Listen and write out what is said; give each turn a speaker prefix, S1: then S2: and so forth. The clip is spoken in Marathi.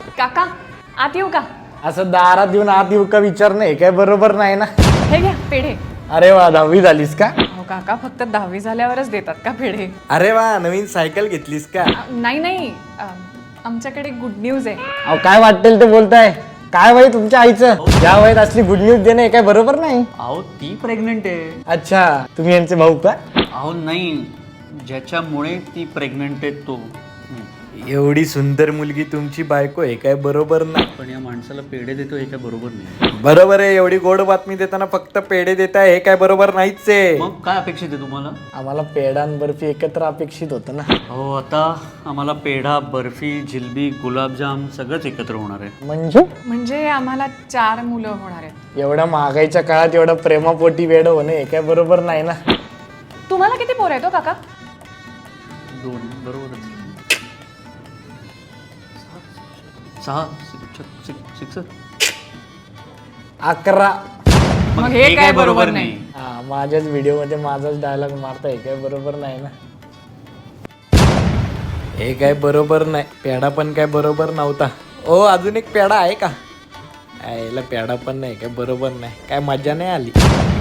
S1: काका आत येऊ का?
S2: असं दारात येऊन आत येऊ का विचार नाही काय बरोबर नाही ना.
S1: हे घ्या पेढे.
S2: अरे वा 10वी झालीस का?
S1: हो काका फक्त 10वी झाल्यावरच देतात का पेढे?
S2: अरे वा नवीन सायकल घेतलीस का?
S1: नाही नाही आमच्याकडे गुड न्यूज आहे.
S2: अहो काय वाटेल ते बोलताय. काय वय तुमच्या आईचं या वयात असली गुड न्यूज देणे काय बरोबर नाही.
S3: अहो ती प्रेग्नेंट आहे.
S2: अच्छा तुम्ही यांचे भाऊ का?
S3: अहो नाही, ज्याच्यामुळे ती प्रेग्नेंट आहे तो.
S2: एवढी सुंदर मुलगी तुमची बायको आहे काय बरोबर नाही.
S3: पण या माणसाला पेढे देतो हे काय बरोबर नाही.
S2: बरोबर आहे. एवढी गोड बातमी देताना फक्त पेढे देताय हे काय बरोबर नाहीच आहे.
S3: मग काय अपेक्षित आहे तुम्हाला?
S2: आम्हाला पेढा आणि बर्फी एकत्र अपेक्षित होतं ना.
S3: हो आता आम्हाला पेढा, बर्फी, जिलबी, गुलाबजाम सगळंच एकत्र होणार आहे.
S1: म्हणजे आम्हाला 4 मुलं होणार आहेत.
S2: एवढ्या महागाईच्या काळात एवढं प्रेमापोटी वेड होणे हे काय बरोबर नाही ना.
S1: तुम्हाला किती पोर आहेत हो काका?
S3: 2 बरोबरच. 6 6
S2: 11.
S1: मग हे काय बरोबर नाही.
S2: हा माझ्याच व्हिडिओ मध्ये माझाच डायलॉग मारता हे काय बरोबर नाही ना. हे काय बरोबर नाही. पेढा पण काय बरोबर नव्हता. ओ अजून एक पेढा आहे का? याला पेढा पण नाही काय बरोबर नाही. काय मजा नाही आली.